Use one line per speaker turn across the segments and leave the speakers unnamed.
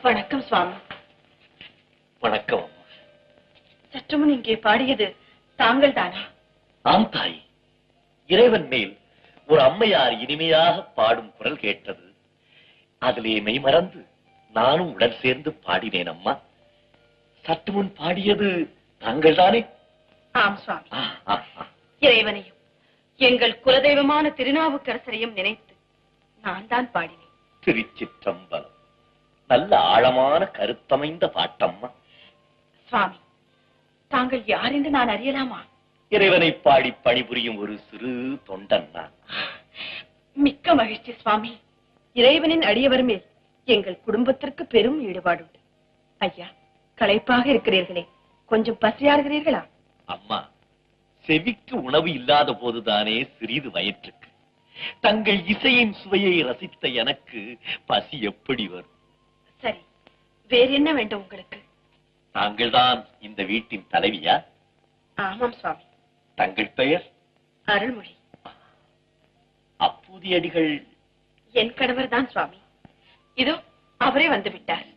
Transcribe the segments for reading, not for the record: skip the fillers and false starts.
வணக்கம் சுவாமி.
வணக்கம்.
சற்றுமுன் இங்கே பாடியது தாங்கள் தானா?
ஆம் தாய். இறைவன் மேல் ஒரு அம்மையார் இனிமையாக பாடும் குரல் கேட்டது. அதிலே மெய் மறந்து நானும் உடன் சேர்ந்து பாடினேன் அம்மா. சற்று முன் பாடியது தாங்கள் தானே?
ஆம் சுவாமி. இறைவனையும் எங்கள் குலதெய்வமான திருநாவுக்கரசரையும் நினைத்து நான் தான் பாடினேன்.
திருச்சிற்றம்பலம். நல்ல ஆழமான கருத்தமைந்த பாட்டம்மா.
சுவாமி, தாங்கள் யார் என்று நான் அறியலாமா?
இறைவனை பாடி பணிபுரியும் ஒரு சிறு தொண்டன் நான்.
மிக்க மகிழ்ச்சி சுவாமி. இறைவனின் அடியவர் மேல் எங்கள் குடும்பத்திற்கு பெரும் ஈடுபாடுண்டு. ஐயா, களைப்பாக இருக்கிறீர்களே, கொஞ்சம் பசியாறுகிறீர்களா?
அம்மா, செவிக்கு உணவு இல்லாத போதுதானே சிறிது வயிற்றுக்கு. தங்கள் இசையின் சுவையை ரசித்த எனக்கு பசி எப்படி வரும்?
சரி, வேற என்ன வேண்டும் உங்களுக்கு?
தாங்கள் தான் இந்த வீட்டின் தலைவியா?
ஆமாம் சுவாமி.
தங்கள் பெயர்?
அருள்மொழி.
அப்பூதியடிகள்
என் கணவர் தான் சுவாமி. இதோ அவரே வந்து விட்டார்.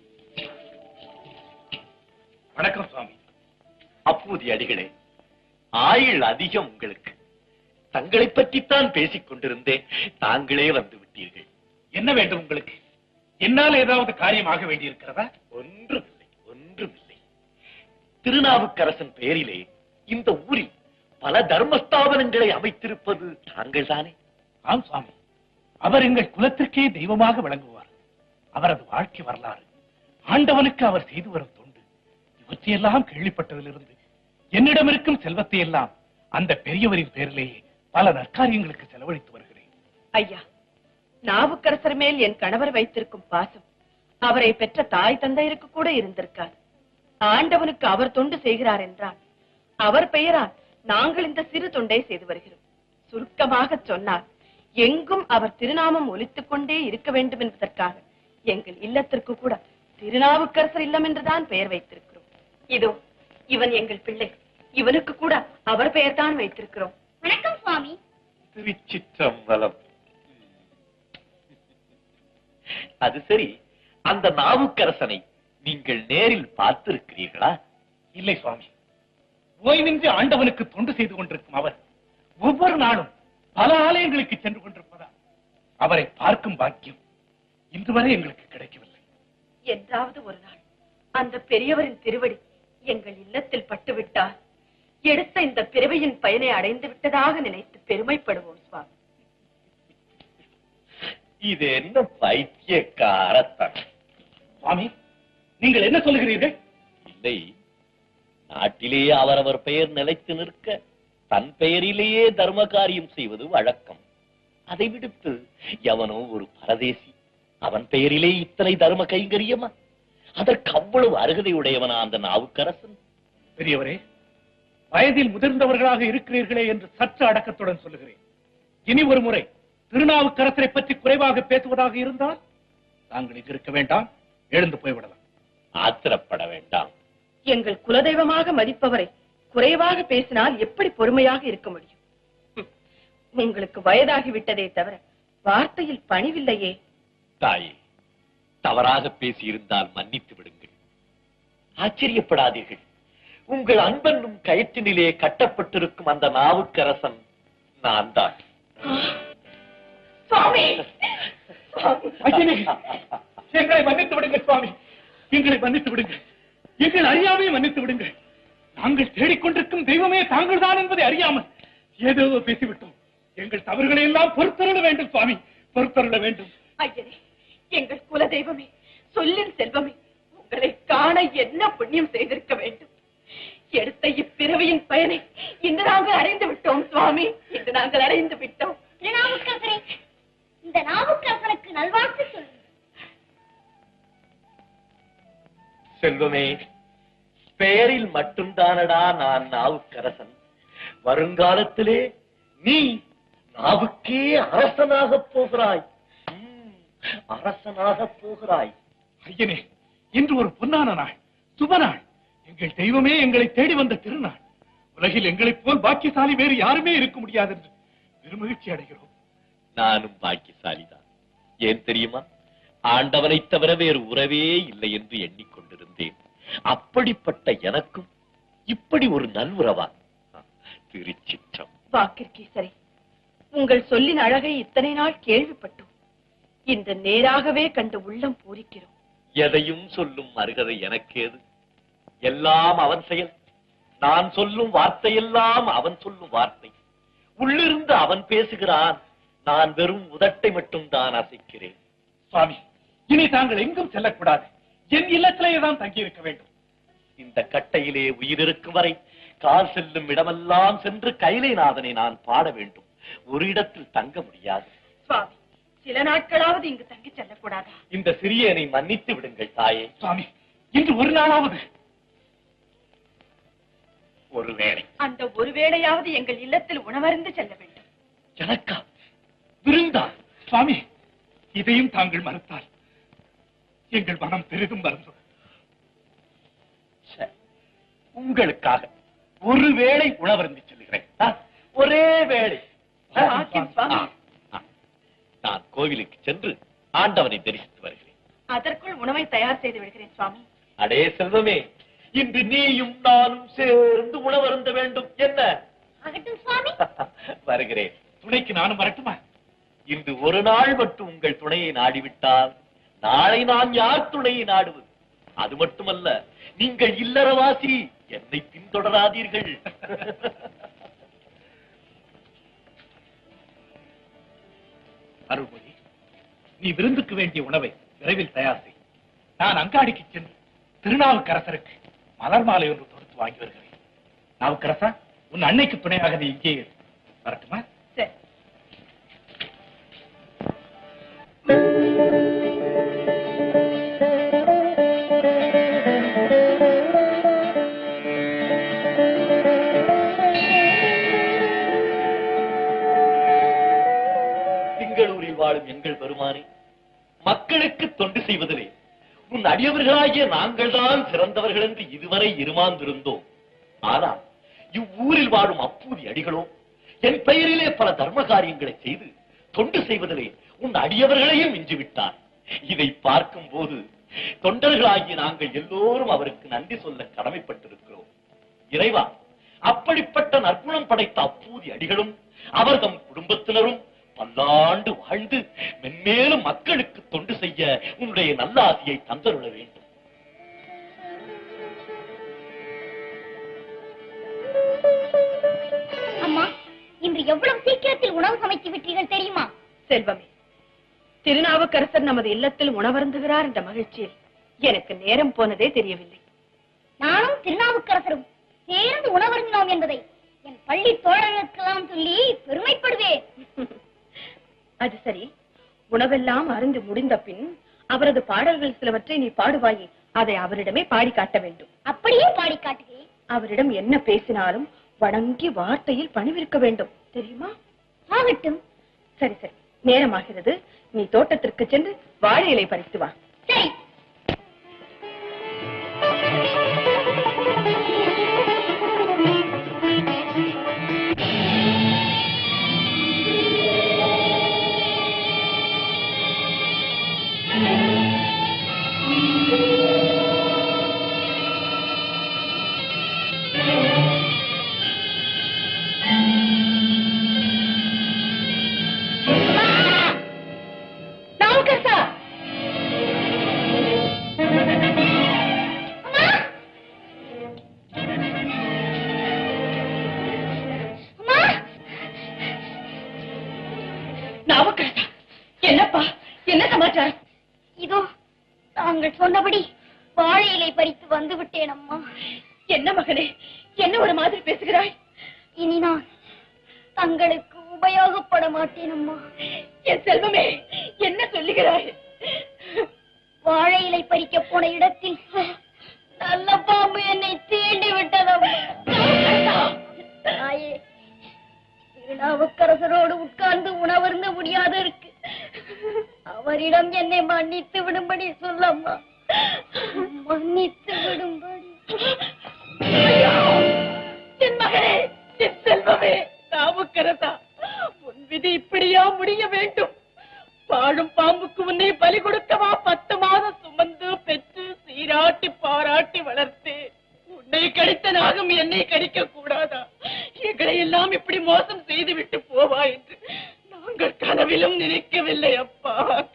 வணக்கம் சுவாமி.
அப்பூதியடிகளே, ஆயுள் அதிகம் உங்களுக்கு. தங்களை பற்றித்தான் பேசிக் கொண்டிருந்தேன், தாங்களே வந்து விட்டீர்கள்.
என்ன வேண்டும் உங்களுக்கு? என்னால் ஏதாவது காரியமாக வேண்டியிருக்கிறதா?
ஒன்றுமில்லை, ஒன்றுமில்லை. திருநாவுக்கரசன் பெயரிலே இந்த ஊரில் பல தர்மஸ்தாபனங்களை அமைத்திருப்பது தாங்கள் தானே?
ஆம் சுவாமி. அவர் எங்கள் குலத்திற்கே தெய்வமாக விளங்குவார். அவரது வாழ்க்கை வரலாறு, ஆண்டவனுக்கு அவர் செய்து வரும் தொண்டு, இவற்றையெல்லாம் கேள்விப்பட்டதிலிருந்து என்னிடம் இருக்கும் செல்வத்தை எல்லாம் அந்த பெரியவரின் பேரிலேயே பல நற்காரியங்களுக்கு செலவழித்து வருகிறேன்.
ஐயா, நாவுக்கரசர் மேல் என் கணவர் வைத்திருக்கும் பாசம் அவரை பெற்ற தாய் தந்தையருக்கு கூட இருந்திருக்காது. ஆண்டவனுக்கு அவர் தொண்டு செய்கிறார் என்றால் அவர் பெயரால் நாங்கள் இந்த சிறு தொண்டை செய்து வருகிறோம். சுருக்கமாக சொன்னால், எங்கும் அவர் திருநாமம் ஒலித்துக் கொண்டே இருக்க வேண்டும் என்பதற்காக எங்கள் இல்லத்திற்கு கூட திருநாவுக்கரசர் இல்லம் என்றுதான் பெயர் வைத்திருக்கிறோம். இதோ இவன் எங்கள் பிள்ளை, இவனுக்கு கூட அவர் பெயர் தான் வைத்திருக்கிறோம்.
வணக்கம் சுவாமி.
திருச்சிற்றம்பலம். அது சரி, அந்த நாவுக்கரசனை நீங்கள் நேரில் பார்த்திருக்கிறீர்களா?
இல்லை சுவாமி. ஓய்வின்றி ஆண்டவனுக்கு தொண்டு செய்து கொண்டிருக்கும் அவர் ஒவ்வொரு நாளும் பல ஆலயங்களுக்கு சென்று கொண்டிருப்பதால் அவரை பார்க்கும் பாக்கியம் இன்று வரை எங்களுக்கு கிடைக்கவில்லை.
என்றாவது ஒரு நாள் அந்த பெரியவரின் திருவடி எங்கள் இல்லத்தில் பட்டுவிட்டால் எடுத்த இந்த பிறவியின் பயனை அடைந்து விட்டதாக நினைத்து பெருமைப்படுவோம் சுவாமி.
இது என்ன பைத்தியக்காரத்தனம்?
சுவாமி, நீங்கள் என்ன சொல்லுகிறீர்கள்?
இல்லை, நாட்டிலே அவரவர் பெயர் நிலைத்து நிற்க தன் பெயரிலேயே தர்ம காரியம் செய்வது வழக்கம். அதை விடுத்து எவனோ ஒரு பரதேசி அவன் பெயரிலே இத்தனை தர்ம கைங்கரியமா? அதற்கு அவ்வளவு அருகதை உடையவனா அந்த நாவுக்கரசன்?
பெரியவரே, வயதில் முதிர்ந்தவர்களாக இருக்கிறீர்களே என்று சற்று அடக்கத்துடன் சொல்லுகிறேன். இனி ஒரு முறை திருநாவுக்கரசரை பற்றி குறைவாக பேசுவதாக இருந்தால் தாங்கள் இங்கு இருக்க வேண்டாம், எழுந்து போய்விடலாம்.
ஆத்திரப்பட வேண்டாம்.
எங்கள் குலதெய்வமாக மதிப்பவரை குறைவாக பேசினால் எப்படி பொறுமையாக இருக்க முடியும்? உங்களுக்கு வயதாகிவிட்டதே தவிர வார்த்தையில் பணிவில்லையே.
தாயே, தவறாக பேசியிருந்தால் மன்னித்து விடுங்கள். ஆச்சரியப்படாதீர்கள். உங்கள் அன்பென்னும் கயிற்றினிலே கட்டப்பட்டிருக்கும் அந்த நாவுக்கரசன் நான் தான்.
சுவாமி,
எங்களை மன்னித்து விடுங்கள் சுவாமி, எங்களை மன்னித்து விடுங்கள். எங்கள் அறியாமையை மன்னித்து விடுங்கள். நாங்கள் தேடிக்கொண்டிருக்கும் தெய்வமே தாங்கள் தான் என்பதை அறியாமல் ஏதோ பேசிவிட்டோம். எங்கள் தவறுகளை எல்லாம் பொறுத்தருள வேண்டும் சுவாமி, பொறுத்தருள வேண்டும்.
ஐயரே, எங்கள் குலதெய்வமே, சொல்லின் செல்வமே, உங்களை காண என்ன புண்ணியம் செய்திருக்க வேண்டும். எடுத்த இப்பிறவியின் பயனை இன்று நாங்கள் அடைந்து விட்டோம் சுவாமி, இன்று நாங்கள் அடைந்து விட்டோம்.
நாவுக்கரசரே, இந்த நாவுக்கரசனுக்கு நல்வாழ்த்து சொல்லுங்கள்.
செல்வமே, பெயரில் மட்டும்தானடா நான் நாவுக்கரசன். வருங்காலத்திலே நீ நாவுக்கே அரசனாக போகிறாய். அரசனாக போகிறாய்.
ஐயனே, இன்று ஒரு பொன்னான நாள், சுப நாள். எங்கள் தெய்வமே எங்களை தேடி வந்த திருநாள். உலகில் எங்களைப் போல் பாக்கியசாலி வேறு யாருமே இருக்க முடியாது என்று பெருமகிழ்ச்சி அடைகிறோம்.
நானும் பாக்கியசாலிதான். ஏன் தெரியுமா? ஆண்டவனை தவிர வேறு உறவே இல்லை என்று எண்ணிக்கொண்டிருந்தேன். அப்படிப்பட்ட எனக்கும் இப்படி ஒரு நல்வுறவா? திருச்சிற்றம்.
வாக்கிற்கீசரே, உங்கள் சொல்லின் அழகை இத்தனை நாள் கேள்விப்பட்டோம். இந்த நேராகவே கண்டு உள்ளம் பூரிக்கிறோம்.
எதையும் சொல்லும் அருகதை எனக்கேது? எல்லாம் அவன் செயல். நான் சொல்லும் வார்த்தையெல்லாம் அவன் சொல்லும் வார்த்தை. உள்ளிருந்து அவன் பேசுகிறான், நான் வெறும் உதட்டை மட்டும் தான் அசைக்கிறேன்.
சுவாமி, இனி தாங்கள் எங்கும் செல்லக்கூடாது. என் இல்லத்திலேயே தான் தங்கியிருக்க வேண்டும்.
இந்த கட்டையிலே உயிர் இருக்கும் வரை கால் செல்லும் இடமெல்லாம் சென்று கைலைநாதனை நான் பாட வேண்டும். ஒரு இடத்தில் தங்க முடியாது.
சுவாமி, சில நாட்களாவது இங்கு தங்கி செல்லக்கூடாதா?
இந்த சிறியனை மன்னித்து விடுங்கள் தாயே.
சுவாமி, இன்று ஒரு நாளாவது.
ஒருவேளை.
அந்த ஒருவேளையாவது எங்கள் இல்லத்தில் உணவருந்து செல்ல வேண்டும்.
எனக்கா? விருந்தா?
சுவாமி, இதையும் தாங்கள் மறுத்தால் எங்கள் மனம் பெரிதும் வருந்தும்.
உங்களுக்காக ஒருவேளை உணவருந்தி செல்கிறேன். ஒரே வேளை. நான் கோவிலுக்கு சென்று ஆண்டவனை தரிசித்து வருகிறேன்.
அதற்குள் உணவை தயார் செய்து விடுகிறேன் சுவாமி.
அடே செல்வமே, இன்று நீயும் நானும் சேர்ந்து உணவருந்த வேண்டும். என்ன?
ஆகட்டும் சுவாமி.
வருகிறேன்.
துணைக்கு நானும் வரட்டுமா?
இன்று ஒரு நாள் மட்டும் உங்கள் துணையை நாடிவிட்டால் நாளை நான் யார் துணையை நாடுவது? அது மட்டுமல்ல, நீங்கள் இல்லறவாசி, என்னை பின்தொடராதீர்கள்.
அருள்மொழி, நீ விருந்துக்கு வேண்டிய உணவை விரைவில் தயார் செய். நான் அங்காடிக்கு சென்று திருநாவுக்கரசருக்கு மலர் மாலை ஒன்று தொடுத்து வாங்கி வருகிறேன். நாவுக்கரசா, உன் அன்னைக்கு துணையாக நீ இங்கே இரு. வரட்டுமா?
சரி.
திங்களூரில் வாழும் எங்கள் பெருமானே, மக்களுக்கு தொண்டு செய்வதிலே உன் அடியவர்களாகிய நாங்கள் தான் சிறந்தவர்கள் என்று இதுவரை இருமாந்திருந்தோம். ஆனால் இவ்வூரில் வாழும் அப்பூதி அடிகளோ என் பெயரிலே பல தர்ம காரியங்களை செய்து தொண்டு செய்வதிலே உன் அடியவர்களையும் மிஞ்சிவிட்டார். இதை பார்க்கும் போது தொண்டர்களாகிய நாங்கள் எல்லோரும் அவருக்கு நன்றி சொல்ல கடமைப்பட்டிருக்கிறோம். இறைவா, அப்படிப்பட்ட நற்குணம் படைத்த அப்பூதி அடிகளும் அவர்தம் குடும்பத்தினரும் பல்லாண்டு வாழ்ந்து மென்மேலும் மக்களுக்கு தொண்டு செய்ய உன்னுடைய நல்ல ஆசையை தந்தருள வேண்டும்.
அம்மா, இன்று எவ்வளவு சீக்கிரத்தில் உணவு சமைத்து விட்டீர்கள் தெரியுமா?
செல்வமே, திருநாவுக்கரசர் நமது இல்லத்தில் உணவருந்துகிறார் என்ற மகிழ்ச்சியில் எனக்கு நேரம் போனதே தெரியவில்லை.
நானும் திருநாவுக்கரசரும் சேர்ந்து உணவருந்தினோம் என்பதை என் பள்ளி தோழர்களுக்கெல்லாம் சொல்லி பெருமைப்படுவேன்.
அது சரி, உணவெல்லாம் அருந்து முடிந்த பின் அவரது பாடல்கள் சிலவற்றை நீ பாடுவாயே, அதை அவரிடமே பாடி காட்ட வேண்டும்.
அப்படியே பாடி காட்டுகிறேன்.
அவரிடம் என்ன பேசினாலும் வணங்கி வார்த்தையில் பணிவிருக்க வேண்டும், தெரியுமா?
ஆகட்டும்.
சரி சரி, நேரமாகிறது. நீ தோட்டத்திற்கு சென்று வாழை இலை பறித்து வா.
சரி.
என்னப்பா, என்ன சமாச்சாரம்?
இதோ தாங்கள் சொன்னபடி வாழை இலை பறித்து வந்து விட்டேன் அம்மா.
என்ன மகனே, என்ன ஒரு மாதிரி பேசுகிறாய்?
இனி நான் தங்களுக்கு உபயோகப்பட மாட்டேன் அம்மா.
என் செல்வமே, என்ன சொல்லுகிறாய்?
வாழை இலை பறிக்க போன இடத்தில் நல்ல பாம்பு என்னை தீண்டி விட்டதம்மா. தாயே, திருநாவுக்கரசரோடு உட்கார்ந்து உணவருந்த முடியாது இருக்கு. அவரிடம் என்னை மன்னித்து விடும்படி சொல்லம்மா. மன்னித்து விடும்படி.
என் மகனே, என் செல்வமே, நாவுக்கரசா, உன் விதி இப்படியா முடிய வேண்டும்? வாழும் பாம்புக்கு உன்னை பலி கொடுக்கவா என்னை கடிக்க கூடாதா? எங்களை எல்லாம் இப்படி மோசம் செய்து விட்டு போவா என்று நாங்கள் கனவிலும் நினைக்கவில்லை அப்பா,